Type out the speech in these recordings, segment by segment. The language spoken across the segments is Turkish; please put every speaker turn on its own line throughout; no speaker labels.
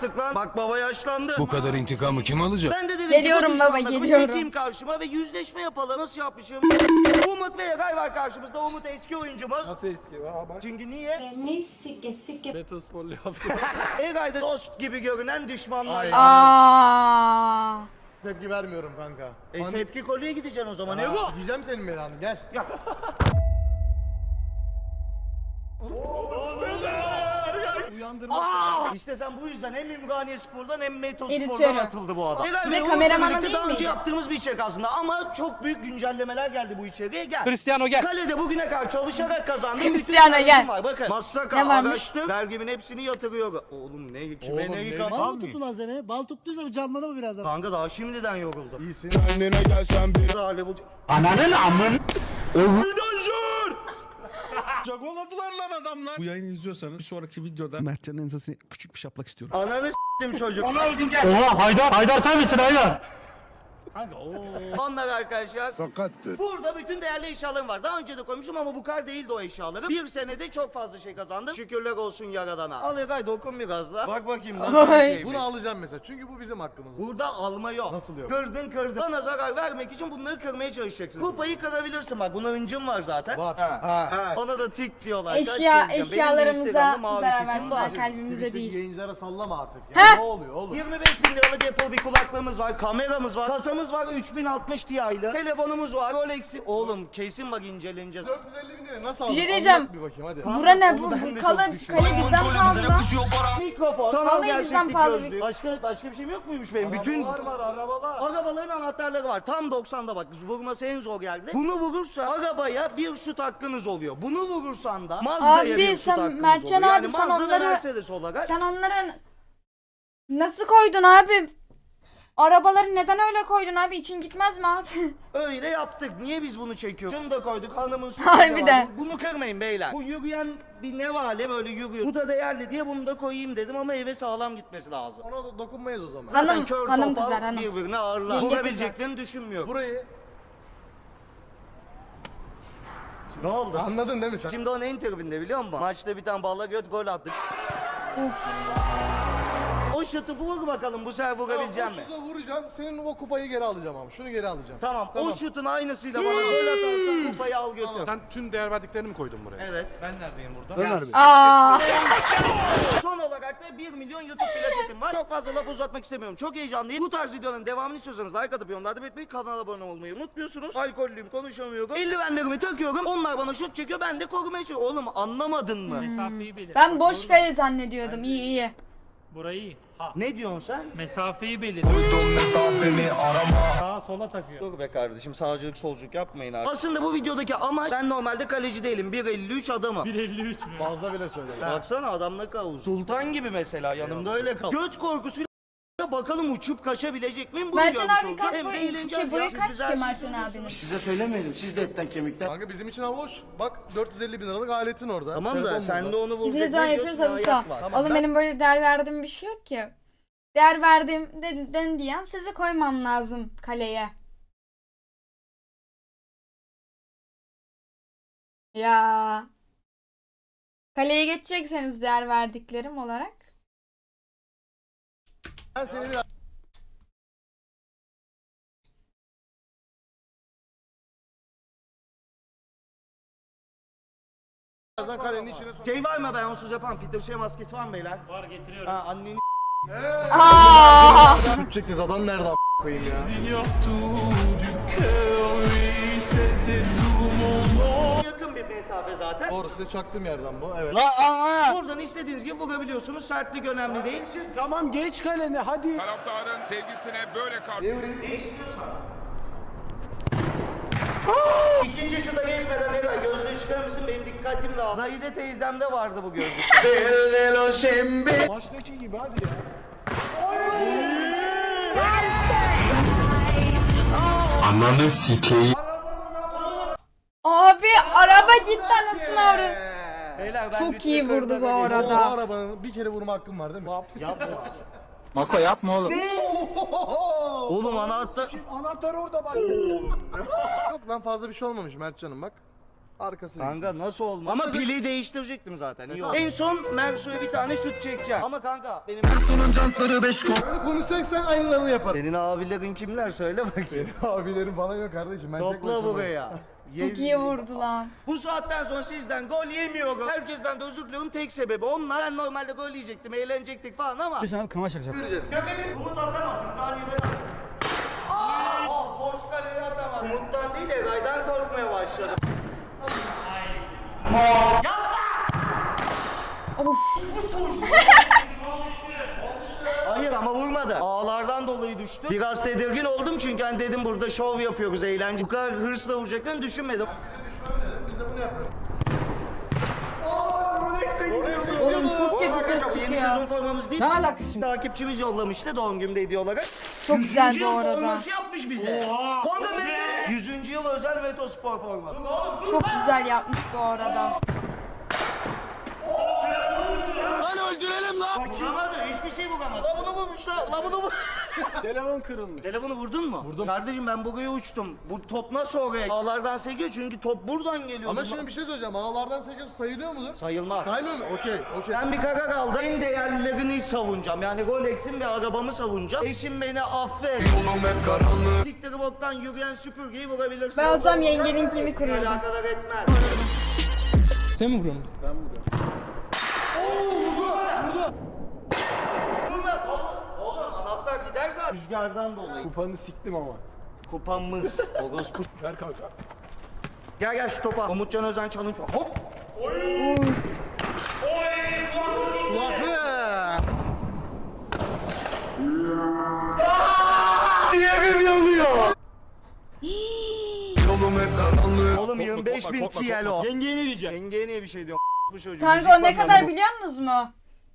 artık lan. Bak baba yaşlandı.
Bu kadar intikamı kim alacak?
Ben de dedim
Geliyorum
ki bu
baba,
düşmanlarımı
geliyorum.
çekeyim karşıma ve yüzleşme yapalım. Nasıl yapmışım? Umut ve Eray var karşımızda. Umut eski oyuncumuz.
Nasıl eski? Aa bak.
Çünkü niye?
Beni sike.
Betosporlu yaptı.
Eray da dost gibi görünen düşmanlar.
Ay.
Aa.
Tepki vermiyorum kanka.
Tepki kolye gideceksin o zaman. Ego.
Yiyeceğim senin belanı gel. Uyandırma.
İşte sen bu yüzden hem Ümraniye Spor'dan hem Meto
İritiyorum.
Spor'dan atıldı bu adam.
Bir de kameramana değil
Daha önce
miydi?
yaptığımız bir içerik aslında ama çok büyük güncellemeler geldi bu içeriye. Gel.
Cristiano gel.
Kalede bugüne kadar çalışarak kazandım.
Cristiano gel.
Var. Bakın. Massaka
Ne varmış?
araçtı. Vergimin hepsini yatırıyor. Oğlum ne kime
Oğlum,
ne
ne-
yıkan.
Bal mı tuttu lan seni? Bal tuttuysa bir canlanır mı birazdan?
Kanka daha şimdiden yoruldu.
İyisin.
Kendine gelsen bir
Daha level...
Çakoladılar lan adamlar. Bu yayını izliyorsanız bir sonraki videoda Mertcan'ın ensesine küçük bir şaplak istiyorum.
Ananı s**tim çocuk.
Haydar sen misin Haydar?
Onlar arkadaşlar.
sakattır.
Burada bütün değerli eşyalarım var. Daha önce de koymuşum ama bu kadar değildi o eşyalarım. Bir senede çok fazla şey kazandım. Şükürler olsun Yaradan'a. Al Eray dokun biraz da. Bak bakayım nasıl bir
Ay.
şey.
Bunu alacağım mesela çünkü bu bizim hakkımız.
Burada alma yok.
Nasıl yok?
Kırdın. Bana zarar vermek için bunları kırmaya çalışacaksın. Kupayı kırabilirsin bak. Buna öncüm var zaten.
Var. Ha.
Ona da tik diyorlar. Kaç
Eşya,
kere diyeceğim. Benim de
eşyalarımıza
Instagram'da mavi
zarar
tikim
versinler,
var.
kalbimize
Twitch'teki
değil.
yayıncılara sallama artık.
Heh.
Ya. Ne oluyor oğlum?
25 bin liralık Apple bir kulaklığımız var, kameramız var, kasamız var 3060 Ti'yle, telefonumuz var, Rolex'i. Oğlum kesin bak inceleneceğiz.
450 bin lira nasıl
Bir
aldın?
şey diyeceğim.
Anlat bir bakayım hadi.
Bura ne bu?
Onu ben de
Bu
çok
kale
düşünüyorum.
bizden pahalı lan.
Mikrofon, sanal
Vallahi bizden
gerçeklik
pahalı
gözlüğü. Başka bir şeyim yok muymuş benim?
Arabalar var arabalar.
Arabaların anahtarları var. Tam 90'da bak. Vurması en zor yerde. Bunu vurursa arabaya bir şut hakkınız oluyor. Bunu vurursan da Mazda'ya
Abi,
bir şut
sen
hakkınız
Mertcan
oluyor.
abi, sen
Mazda ve
onları-
Mercedes olarak.
Sen onların nasıl koydun abi? Arabaları neden öyle koydun abi? İçin gitmez mi abi?
Öyle yaptık. Niye biz bunu çekiyoruz? Şunu da koyduk. Hanımın sütü
Harbiden.
var. Bunu kırmayın beyler. Bu yürüyen bir nevale böyle yürüyor. Bu da değerli diye bunu da koyayım dedim ama eve sağlam gitmesi lazım.
Ona da dokunmayız o zaman.
Zaten
Hanım-
kör
hanım
topal
kızar, hanım.
birbirine ağırlar.
Yenge
Vurabileceklerini düşünmüyorum.
Burayı
Ne oldu?
anladın değil mi sen?
Şimdi onun en tribinde biliyor musun? Maçta bir tane balla göt gol attık. O şutu vur bakalım bu sefer vurabileceğim mi?
Şurada vuracağım. Senin o kupayı geri alacağım ama. Şunu geri alacağım.
Tamam. O şutun aynısıyla bana gol atarsan kupayı al götür.
Sen tüm değer verdiklerini mi koydun buraya?
Evet.
Ben neredeyim burada?
Aa.
Son olarak da 1 milyon YouTube plaketim var. Çok fazla laf uzatmak istemiyorum. Çok heyecanlıyım. Bu tarz videoların devamını istiyorsanız like atıp yorumlarda belirtmeyi, kanala abone olmayı unutmuyorsunuz. Alkollüyüm, konuşamıyorum. Eldivenlerimi takıyorum. Onlar bana şut çekiyor. Ben de korumaya çalışıyorum. Oğlum anlamadın mı?
Mesafeyi belir.
Ben boş kale zannediyordum. İyi iyi.
Burayı iyi.
Ne diyorsun sen?
Mesafeyi belir. Sağa sola takıyor.
Dur be kardeşim sağcılık solculuk yapmayın artık. Aslında bu videodaki amaç ben normalde kaleci değilim. 1.53 adamım.
1.53 mü?
Fazla bile söyle.
Baksana adam ne kadar uzun. Sultan gibi mesela yanımda öyle kal. Göt korkusuyla bakalım uçup kaçabilecek miyim? Bunu
Mertcan
görmüş
abi
olduk.
kaç
Hem de
boyu?
eğleneceğiz
Boyu
ya. Siz
kaç
bize her
ki
şeyi
Mertcan
söylüyorsunuz.
abinin?
Size söylemeyelim siz de etten kemikten.
Kanka bizim için hava hoş. Bak 450 bin liralık aletin orada.
Tamam da
Telefon
sen de
burada.
onu vuracak.
Biz ne zaman
bir
yapıyoruz
göt
hadi
bir
sağ.
ayak var.
Oğlum benim böyle değer verdiğim bir şey yok ki. Değer verdiğim den diyen sizi koymam lazım kaleye. Ya. Kaleye geçecekseniz değer verdiklerim olarak.
Ben seni birazdan karenin içine sok.
Şey var mı ben onsuz yapan? Peter şey maskesi var mı beyler?
Var getiriyorum.
Ha anneni
Aa!
Şut çekeceğiz adam nerede a** koyayım ya.
yakın bir mesafe zaten.
Doğru size çaktığım yerden bu evet.
Buradan istediğiniz gibi vurabiliyorsunuz. Sertlik önemli değil.
Tamam geç kalene hadi.
Taraftarın sevgisine böyle
Ne istiyorsan. İkinci şuta geçmeden evvel gözlüğü çıkarır mısın? Benim dikkatim dağıldı. Zahide teyzemde vardı bu gözlükler.
Baştaki gibi hadi ya.
Abi araba gitti anasını avradı.
Beyler, ben
Çok
bütün
iyi vurdu bu
kırkları
O
arada.
arabanın bir kere vurma hakkım var değil mi?
Mako yapma oğlum.
Oğlum anahtar.
Anahtar orada bak.
Yok lan fazla bir şey olmamış Mertcan'ım bak. Arkası.
Kanka nasıl olmaz? Ama pili değiştirecektim zaten. İyi oldu. En son Mersu'ya bir tane şut çekeceğim. Ama kanka benim
Böyle konuşacaksan aynılarını yapar.
senin abilerin kimler söyle bakayım.
Abilerim falan yok kardeşim. Ben tek
Topla
başıma.
buraya.
Çok iyi vurdu lan.
Bu saatten sonra sizden gol yemiyorum. Herkesten de özür diliyorum. Tek sebebi onlar. Ben normalde gol yiyecektim, eğlenecektik falan ama.
Biz sana kama şakacak.
Göreceğiz. Gökhan'ın Umut atamaz. Ümraniye'den boş kaleye atamaz. Umut'tan değil Eray'dan korkmaya başladım.
Of.
Hayır ama vurmadı. Ağlardan dolayı düştü. Biraz tedirgin oldum çünkü hani dedim burada şov yapıyoruz, eğlence. Bu kadar hırsla vuracaklarını düşünmedim.
Biz de bunu yapıyoruz.
Oğlum çok kötü ses
Yeni
çıkıyor.
sezon formamız değil.
Ne alakası şimdi?
Takipçimiz yollamıştı doğum günümde hediye olarak.
Çok güzel
100.
bu
yıl
arada.
forması yapmış bize. Konga Meto. 100. yıl özel Meto spor forması.
Çok güzel yapmış bu arada.
Vuramadı, hiçbir şey vuramadı. La bunu vurmuşlar, la bunu vur.
Telefon kırılmış.
Telefonu vurdun mu? Vurdum. Kardeşim ben buraya uçtum. Bu top nasıl oraya? Ağlardan sekiyor çünkü top buradan geliyor.
Ama şimdi bir şey söyleyeceğim. Ağlardan 8 sayılıyor mudur?
Sayılmaz.
Saymıyor mu? Okey.
Ben bir karar aldım. En değerlilerini savunacağım. Yani Rolex'im ve arabamı savunacağım. Eşim beni affet.
Yolum hep karanlık.
Sikleri boktan yürüyen süpürgeyi vurabilirsin.
Ben olsam yengeninkini kırırdım.
Alakadar etmez.
Sen mi vuruyorsun?
Vurma. Oğlum anahtar gider zaten. Rüzgardan dolayı.
Kupanı siktim ama.
Kupamız. Orospu.
Ver kanka.
Gel gel şu topa. Umutcan Özen challenge var. Hop.
Kulaklı.
Diğerim yanıyor.
Yolum hep karanlık.
Oğlum 25.000 TL o.
Yengeye ne diyeceğim?
Yengeye niye bir şey diyorum? Bu çocuğu.
Kanka o ne kadar biliyor musunuz mu?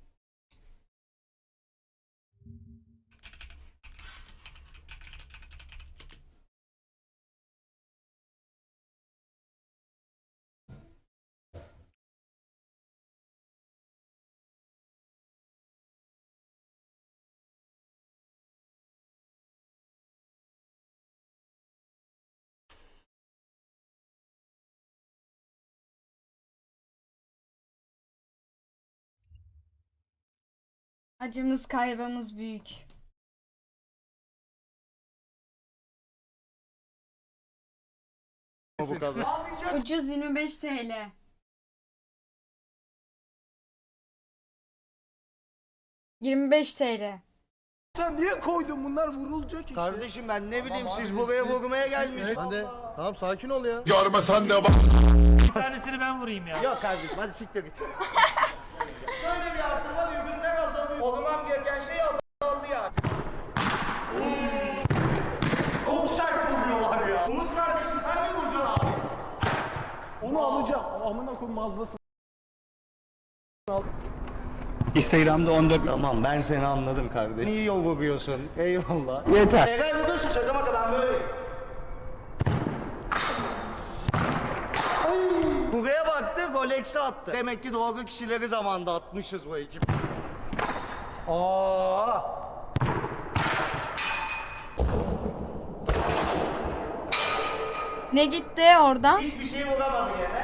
Acımız kaybımız büyük.
Bu kadar.
Ucuz 25 TL. ...25 TL.
Sen niye koydun? Bunlar vurulacak işte.
Kardeşim ben ne bileyim siz buraya vurmaya gelmişsiniz.
Sen de tamam sakin ol ya.
Görmesen de bak.
Bir tanesini ben vurayım ya.
Yok kardeşim hadi siktir git. Böyle bir artım var ürünler azalıyor. Olmam gereken şey azaldı ya. Çok sert vuruyorlar ya. Umut kardeşim sen mi vuracaksın abi?
Onu alacağım. Amına koyayım mazlasın.
Instagram'da 14
Tamam ben seni anladım kardeşim. İyi yol vuruyorsun. Eyvallah. Yeter. Eğer vuruyorsun şaka maka ben böyleyim. Buraya baktı, Rolex'i attı. Demek ki doğru kişileri zamanında atmışız bu ekip. Aa!
Ne gitti oradan?
Hiçbir şey vuramadı yine.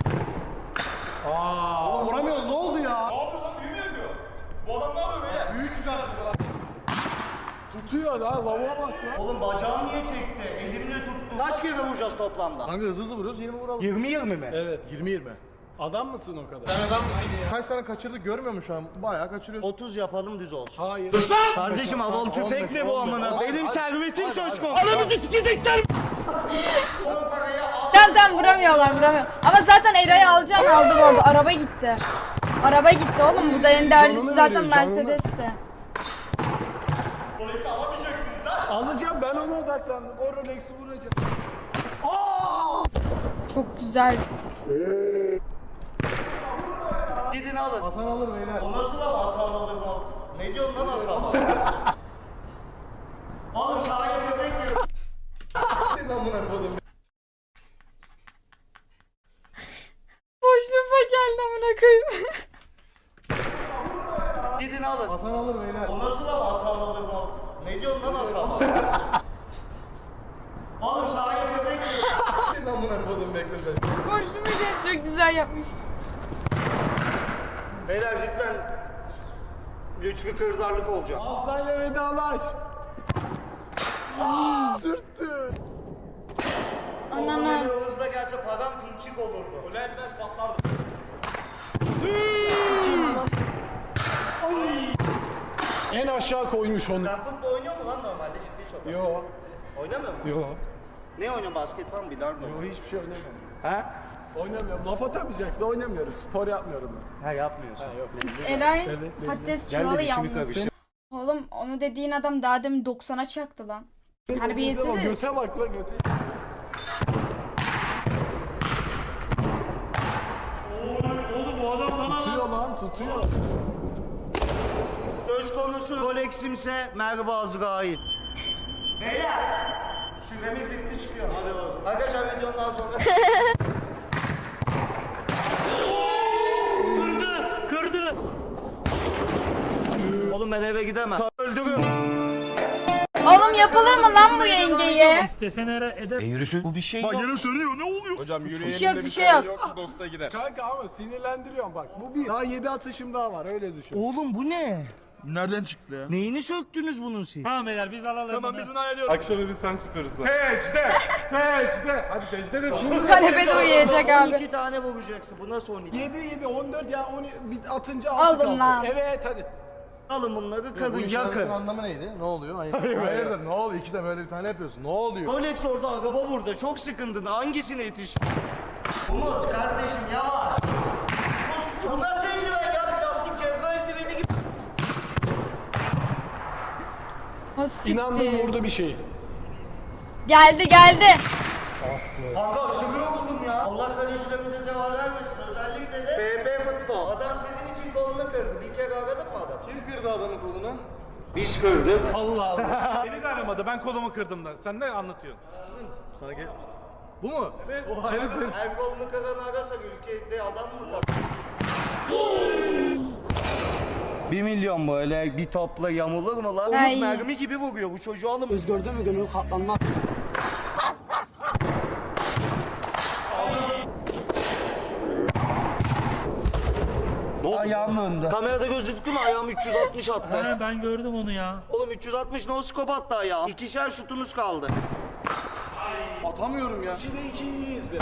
Oğlum vuramıyoruz ne oldu ya? Ne yapıyor lan büyü mü yapıyor? Bu adam ne yapıyor böyle? Büyü çıkartıyor lan.
Tutuyor lan. Lavuğa bak lan.
Oğlum bacağım niye çekti? Elimle tuttu. Kaç kere vuracağız toplamda?
Kanka hızlı vuruyoruz 20 vuralım.
20 mi?
Evet 20.
Adam mısın o kadar?
Sen adam mısın ya? Kaç tane kaçırdık görmüyor musun şu an? Bayağı kaçırıyoruz.
30 yapalım düz olsun.
Hayır.
Kardeşim havalı tüfek mi bu
15,
amına?
15.
Benim servetim söz konusu. Anamızı sikecekler.
Tamam vuramıyor. Ama zaten Eray'ı aldı bu arada. Araba gitti. Araba gitti oğlum. Burada en değerlisi
Canını
zaten
veriyor, canını.
Mercedes'ti.
Alacağım ben ona odaklandım. O Rolex'i vuracağım.
Çok güzel.
Gidin alın.
Atan alır beyler.
O nasıl laf hatalı alır mı? Ne diyorsun lan hatalı? Oğlum sahaya köpek diyor.
Boşluğuma geldi amına koyayım.
Gidin alın.
Atan alır beyler.
O nasıl laf hatalı alır mı? Ne diyorsun lan hatalı? Oğlum sahaya köpek diyor.
beklesin amına kodum beklesin.
Koşturmayacak, çok güzel yapmış.
Beyler cidden Lütfi Kırdarlık olacak.
Aslayla vedalaş. Sürttü.
Anana.
Böyle hızla gelse param pinçik olurdu.
O lensmez patlardı.
En aşağı koymuş onu.
Sen futbol oynuyor mu lan normalde ciddi soruyorum.
Yo.
Oynamıyor mu?
Yo.
Ne oynuyorsun, basket falan bilardo?
Yo hiçbir şey oynamıyorum.
Ha?
Oynamıyorum. Laf atamayacaksın oynamıyorum. Spor yapmıyorum ben.
Ha yapmıyorsun.
Yok.
Eray
Evet,
patates
Gel de
çuvalı
dişimi
yalnız.
karıştır.
Oğlum onu dediğin adam daha demin 90'a çaktı lan. Terbiyesiz herif.
Göte bak la göte.
Oğlum bu adam lan.
Tutuyor lan tutuyor.
Söz konusu Rolex'imse Merve Azrail. Beyler! Süremiz bitti çıkıyor. Hadi o zaman. Arkadaşlar videonun daha sonra...
Kırdı.
Oğlum ben eve gidemem. Öldürüyorum.
Oğlum yapılır mı lan bu yengeye?
İstesen eder.
Bu bir şey yok.
Bir şey yok, bir şey yok.
Kanka ama sinirlendiriyorum bak. Bu bir. Daha 7 atışım daha var öyle düşün.
Oğlum bu ne?
Nereden çıktı ya?
Neyini söktünüz bunun siz?
Tamam beyler biz alalım.
Tamam
bunu.
biz bunu hallediyoruz.
Akşamı biz sen süperiz lan.
Secde. Secde. Hadi secde de.
Bu kanepede uyuyacak abi.
12 tane vuracaksın. Bu nasıl 12?
7 14 ya 10 bir atınca 6
Aldım
kaldı.
lan.
Evet hadi.
Alın bunları karın yakın.
Anlamı neydi? Ne oluyor? Hayırdır ne oluyor? İki de böyle bir tane yapıyorsun. Ne oluyor?
Rolex orada araba burada. Çok sıkıntın. Hangisine yetiş? Umut kardeşim yavaş. Bu nasıl eldiven ya? Plastik cevher eldiveni gibi.
O
İnandım
siktir.
vurdu bir şey.
Geldi.
Kanka aşırı yoruldum ya. Allah kalecilerimize zeval vermesin. Özellikle de BP futbol. Adam sizin için kolunu kırdı. Bir kere aradın mı adam?
Kim kırdı adamın kolunu?
Biz kırdık.
Allah Allah.
Beni de aramadı. Ben kolumu kırdım da. Sen ne anlatıyorsun?
Sana gel. Bu mu?
Evet.
O herif
Her kolunu kıran arasak ülkede adam mı var? 1 milyon böyle bir topla yamulur mu lan?
Ay.
Umut mermi gibi vuruyor bu çocuğu alın.
Gördün mü gönül katlanmaz.
Ayağım önde. Kamerada gözüktü mü ayağım 360 attı.
Ha, ben gördüm onu ya.
Oğlum 360 no scope attı ayağım. İkişer şutunuz kaldı.
atamıyorum ya. 2'de 2'yi izle.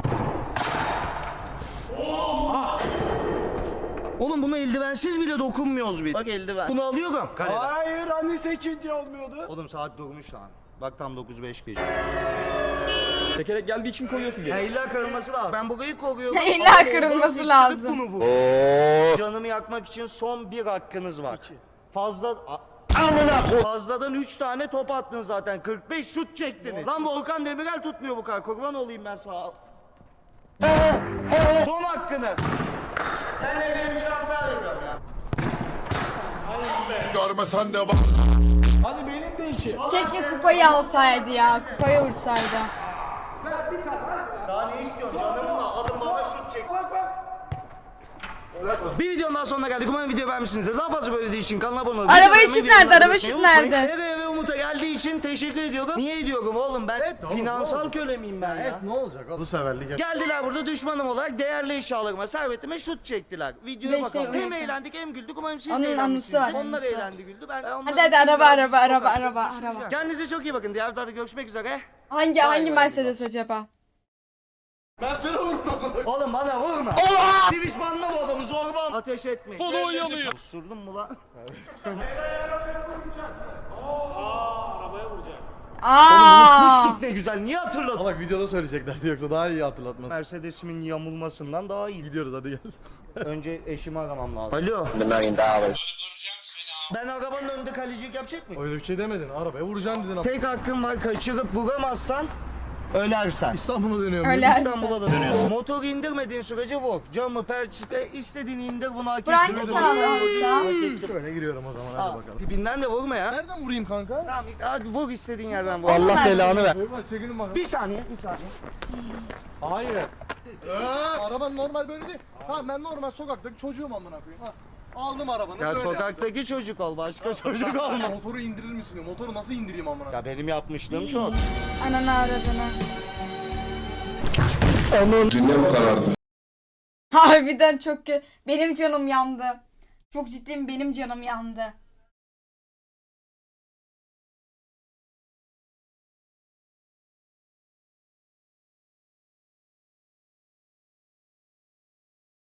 Oğlum buna eldivensiz bile dokunmuyoruz biz. Bak eldiven. Bunu alıyorum. Kaleden.
Hayır hani 8. olmuyordu.
Oğlum saat durmuş lan. Bak tam 9:05 gece.
Tekerek geldiği için koyuyorsun
Ya illa kırılması lazım. Ben burayı koruyorum.
İlla
Ama
kırılması
oradan
lazım.
Bunu bu. Canımı yakmak için son bir hakkınız var. Fazla... Fazladan 3 tane top attın zaten. 45 şut çektiniz. Lan Volkan Demirel tutmuyor bu kadar. Kurban olayım ben sağa. Son hakkını. Ben de bir şans daha veriyorum ya.
Görmesen de bak.
Hadi benim de 2.
Keşke kupayı alsaydı ya. Kupayı vursaydı.
Daha ne istiyorsun canımla? Alın bana şut çek. Bir videonun daha sonuna geldik. Umarım video beğenmişsinizdir. Daha fazla böyle video için kanala abone olun.
Araba
Videolarımı,
ışık
videolarımı
nerede? Araba
beğenmeyi
ışık
unutmayın.
nerede?
Nereye ve Umut'a geldiği için teşekkür ediyorum. Niye ediyorum oğlum ben? Finansal köle miyim ben ya?
Ne olacak bu seferlik?
Geldiler burada düşmanım olarak değerli eşyalarıma, servetime şut çektiler. Videoya
Beş
bakalım.
şey
Hem
uyuyor.
eğlendik hem güldük. Umarım siz
Onun
de
anısı var,
eğlenmişsinizdir. Onlar
anısı var.
eğlendi güldü. Ben onların
Hadi araba.
sokakta Kendinize çok iyi bakın. Diğer videoda görüşmek üzere.
Hangi
bay.
Mercedes acaba?
Ben sana vurdum.
Oğlum bana vurma. Divişmanla bu adamı zorban. Ateş etmeyin.
Kolu oyalıyor.
Osurdun mu lan?
Aa!
Unutmuştuk ne güzel. Niye hatırladın?
Bak videoda söyleyeceklerdi yoksa daha iyi hatırlatmaz.
Mercedes'imin yamulmasından daha iyi.
Gidiyoruz hadi gel.
Önce eşimi aramam lazım. Alo. Ben arabanın önünde kalecilik yapacak mıyım?
Öyle bir şey demedin. Arabaya vuracaksın dedin ama.
Tek hakkın var, kaçırıp vuramazsan ölersen.
İstanbul'a dönüyorum.
Öyle.
İstanbul'a da dönüyorsun. Motoru indirmediğin sürece vur. Camı, perçipe istediğini indir, bunu hak
Bu hangi
ettin.
sağlamsa?
Şöyle giriyorum o zaman hadi
Al,
bakalım.
Tipinden de vurma ya.
Nereden vurayım kanka?
Tamam işte hadi vur istediğin yerden vur.
Allah belanı
ver.
Bak çekilin bakalım.
Bir saniye.
Hayır.
Araban normal böyle değil. Tamam ben normal sokaktaki çocuğum amına koyayım. Ha. Aldım arabanı
Ya
böyle
sokaktaki çocuk ol, başka çocuk
yaptım.
olma.
Motoru indirir misin diyor. Motoru nasıl indireyim amına koyayım?
Ya benim yapmışlığım çok.
Ananı aradığını.
Dünyam karardı.
Harbiden çok benim canım yandı. Çok ciddiyim, benim canım yandı.